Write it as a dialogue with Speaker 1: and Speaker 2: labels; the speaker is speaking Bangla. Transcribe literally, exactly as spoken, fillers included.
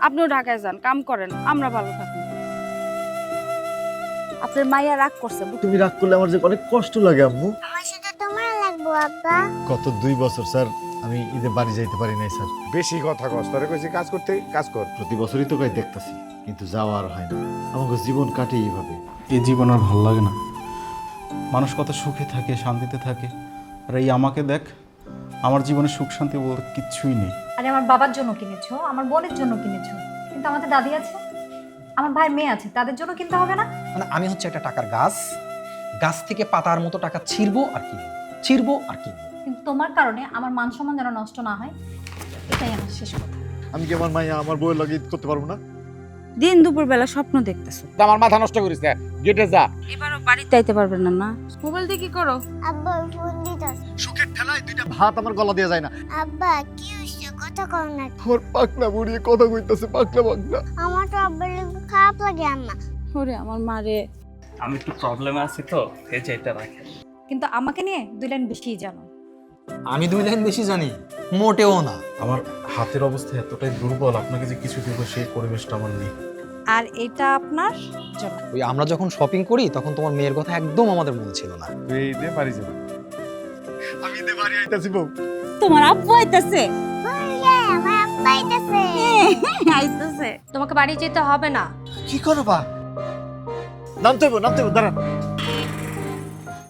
Speaker 1: আপনিও ঢাকায় যান, কাম করেন, আমরা ভালো থাকি। আপনার মাইয়া রাগ করছে।
Speaker 2: তুমি রাগ করলে আমার যে অনেক কষ্ট লাগে আম্মু।
Speaker 3: আমার সাথে তোমার লাগবো আব্বা।
Speaker 2: গত দুই বছর স্যার আমি ঈদে বাড়ি যাইতে পারি নাই স্যার।
Speaker 4: বেশি কথা কস, তোরে কইছি কাজ করতে, কাজ কর।
Speaker 2: প্রতি বছরই তো কই দেখতাছি, কিন্তু যাওয়া আর হয় না। আমাকে জীবন কাটে এইভাবে।
Speaker 5: এই জীবন আর ভালো লাগে না। মানুষ কত সুখে থাকে, শান্তিতে থাকে, আর এই আমাকে দেখ, আমার জীবনে সুখ শান্তি বলতে কিচ্ছুই নেই।
Speaker 6: আরে আমার বাবার জন্য কিনেছো, আমার বোনের জন্য কিনেছো, কিন্তু আমাদের দাদি আছে, আমার ভাই মেয়ে আছে, তাদের জন্য কিনতে হবে না?
Speaker 7: মানে আমি হচ্ছে একটা টাকার গাছ, গাছ থেকে পাতার মতো টাকা ছিঁড়বো আর কিনবো, ছিঁড়বো আর কিনবো।
Speaker 6: কিন্তু তোমার কারণে আমার মান সম্মান যেন নষ্ট না হয়, এটাই আমার শেষ কথা।
Speaker 2: আমি কি আমার মাইয়া আমার বউয়ের লগে ঈদ করতে পারবো না?
Speaker 1: দিন দুপুর বেলা স্বপ্ন দেখতেছো।
Speaker 4: আমার মাথা নষ্ট করিস না, গেটে যা।
Speaker 1: এবারও বাড়িতে আইতে পারবেন না না? মোবাইল দিয়ে কি করো?
Speaker 3: আব্বা ফোন দিতাস।
Speaker 2: সুখের ঠেলায় দুইটা ভাত আমার গলা দিয়ে যায় না।
Speaker 3: আব্বা কি হইছে কথা কও না।
Speaker 2: আমার পাকনা বুড়িয়ে কথা কইতাছে, পাকনা পাকনা।
Speaker 3: আমার তো আব্বার লাগি খারাপ লাগে আম্মা।
Speaker 1: ওরে আমার মারে।
Speaker 8: আমি একটু প্রবলেমে আছি তো, এই যে এটা রাখেন।
Speaker 6: কিন্তু আমাকে নিয়ে দুই লাইন বেশিই জানো।
Speaker 7: আমি দুই লাইন বেশি জানি মোটেও না।
Speaker 5: আমার হাতের অবস্থা এতটাই দুর্বল, আপনাকে যে কিছু দিব সেই পরিবেশটা আমার নেই।
Speaker 6: আর এটা আপনার জন্য।
Speaker 7: ওই আমরা যখন শপিং করি তখন তোমার মেয়ের কথা একদম আমাদের মনে ছিল না।
Speaker 4: তুই ঈদে বাড়ি যাবি।
Speaker 2: আমি ঈদে বাড়ি আইতাছি বউ।
Speaker 1: তোমার আব্বু আইতাছে।
Speaker 3: বললে আমার আব্বা আইতাছে।
Speaker 1: আইতাছে।
Speaker 6: তোমাকে বাড়ি যেতে হবে না।
Speaker 2: কি করবা? নামতে হইব, নামতে হইব, দাঁড়ান।